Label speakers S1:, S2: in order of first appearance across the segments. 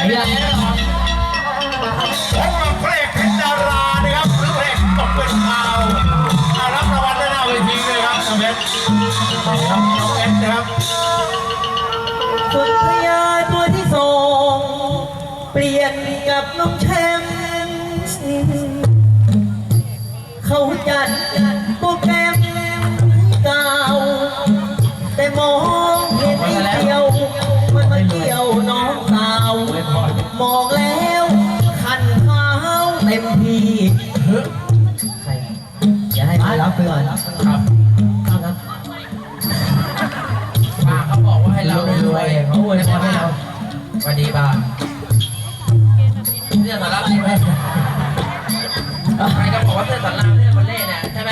S1: แล้วผมมาเพลงเพชรดารานะครับหรือเพลงตกเป็นข่าวรับรางวัลได้หน้าเวทีเลยครับน้องเพชรครับน้องเพชรนะครับ
S2: สุดพยาตัวที่สองเปลี่ยนกับน้องแชมป์เขาจัดโปรแกรมเก่าแต่มองเห็นไอ้เดียวมันมาเกี่ยวน้องสาวมองแล้วคันเท้าเต็มที่ใครอย่าให้มารับไปก่อนครับ
S3: ป้าเขาบอกว่าให้เรารวยเขาอวยพรให้เราสวัสดีป้าเรื่องสารลับใช่ไหมใครก็บอกว่าเรื่องสารลับเรื่องคนเล่เนี่ยใช่ไหม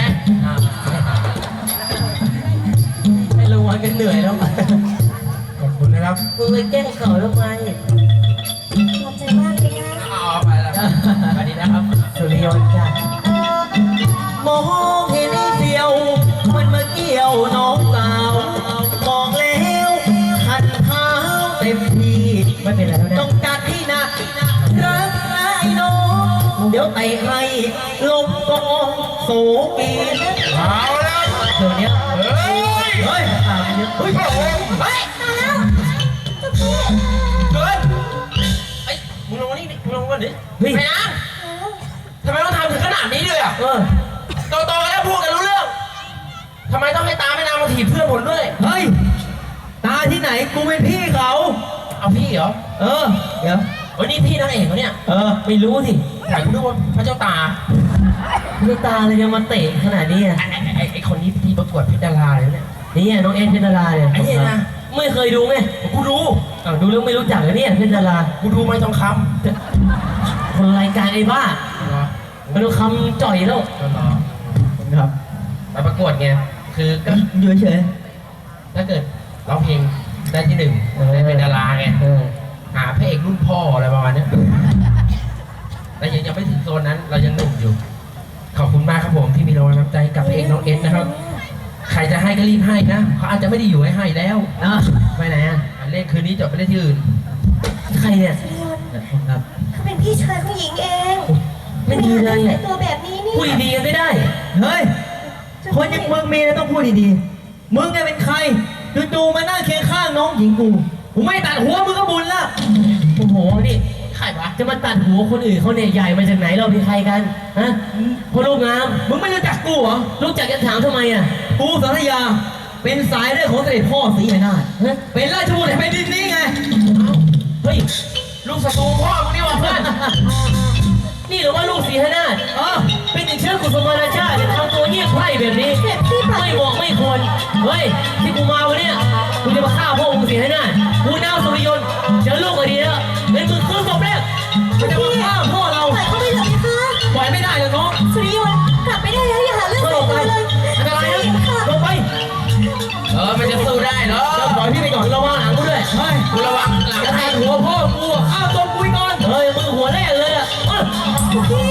S2: ไม่รู้วันกันเหนื่อยแล้ว
S1: ขอบคุณนะครับ
S2: มึงไปแกล้งเขาทำไม
S4: ขอบใจมากเลยนะ
S3: อ๋อไปแล้วสวัสดีนะครับ
S2: สุริยนต์จ้ะมองเห็นไอ้เดียวมันมาเกี่ยวน้องสาวมองแล้วคันเท้าเต็มที่ไม่เป็นไรแล้วนะต้องจัดที่หนักรักไอ้น้องเดี๋ยวเตะให้ลงกองโศกี
S1: เอาแล้ว
S2: เดี๋ยวนี้
S1: เฮ้ย
S2: เฮ้ยตามเยอะเฮ้ย
S4: ตายแล้วเจ้าพี่
S3: เฮ้ยไอ้มึงลงมานี่มึงลงมาดิ
S2: เฮ้ย
S3: ไปนะทำไมต้องทำถึงขนาดนี้เลยอ่ะโตๆแล้วพูดกันรู้เรื่องทำไมต้องให้ตาแม่นางมาถีบเพื่อนผมด้วย
S2: เฮ้ยตาที่ไหนกูเป็นพี่เขา
S3: เอาพี่เหรอ
S2: เดี๋ยว
S3: วันนี้พี่นางเอกเหรอเนี่ย
S2: ไม่รู้สิ
S3: อยากรู้ว่าพระเจ้าตา
S2: พระเจ้าตาเลยจะมาเตะขนาดนี้อ่ะ
S3: ไอ้คนนี้ที่ประกวดเพชรดาราเลยเนี่ย
S2: นี่น้องเอ็นเพชรดาราเนี่ย
S3: ไอ้เนี่ยนะ
S2: ไม่เคยดูไง
S3: กูดู
S2: ดูแล้วไม่รู้จักเลยเนี่ยเพชรดารา
S3: กูดูไม่ทองค
S2: ำคนรายการไอ้บ้าไม่รู้คำจ่อยแล้วครับ
S3: ไปประกวดไงคือก็
S2: อยู่เฉย
S3: ถ้าเกิดร้องเพลงได้ที่หนึ่งได้เป็นดาราไงหาพระเอกรุ่นพ่ออะไรประมาณนี้แต่ยังไม่ถึงโซนนั้นเรายังหนุ่มอยู่ขอบคุณมากครับผมที่มีรางวัลน้ำใจกับพระเอกน้องเอ็นนะครับใครจะให้ก็รีบให้นะเขาอาจจะไม่ได้อยู่ให้แล้ว
S2: ไปไหนอ่ะ
S3: เล่นคืนนี้จบไปเล่นที่อื่น
S2: ใครเนี่ย
S4: ครับเขาเป็นพี่ชายของหญิงเอง
S2: ไม่ดีเลยเนี่ย
S4: ตัวแบบนี้นี่
S2: พูดดีกันไม่ได้เฮ้ยคนอย่างมึงมีอะไรต้องพูดดีๆมึงเนี่ยเป็นใครจู่ๆมานั่งเคียงข้างน้องหญิงกูไม่ตัดหัวมึงก็บุญละโอ้โหนี่
S3: ใครวะ
S2: จะมาตัดหัวคนอื่นเขาเนี่ยใหญ่มาจากไหนเราเป็นใครกันฮะคนรูปงามมึงไม่รู้จักกูเหรอรู้จักกันถามทำไมอ่ะกูสัตยาเป็นสายเลือดของเสด็จพ่อศรีไหนาถเป็นราชบุตรแผ่นดินนี้ไง
S3: เฮ้ยลูกศัตรูพ่อมึงนี่วะเพื่อน
S2: นี่หรือว่าลูกศรีหนาถเป็นติดเชื้อกุศลราชาจะทำตัวเงียบไพร่แบบนี้ไม่เหมาะไม่ควรเฮ้ยที่กูมาวันนี้กูจะมาฆ่าพ่อมึงศรีหนาถกูนาวสุริยนต์เจอลูกก็ดีแล้วเป็นมือคือศพแรกมันจะมาฆ่าพ่อเรา
S4: ปล่อยเขาไปเลยนะคะ
S2: ปล่อยไม่ได้เลยน้อง
S4: สุริยนต์กลับไม่ได้แล้วอย่าหาเรื่องใส่ตัวเลย
S2: อันตรายนะลงไป
S3: มันจะสู้ได้เหรอ
S2: ปล่อยพี่ไปก่อนระวังหลังกูด้วยเฮ้ย
S3: กูระวังหลัง
S2: จะแทงหัวพ่อกูข้าวต้มกูก่อนเฮ้ยมึงหัวแรกเลยอ่ะ
S4: พี่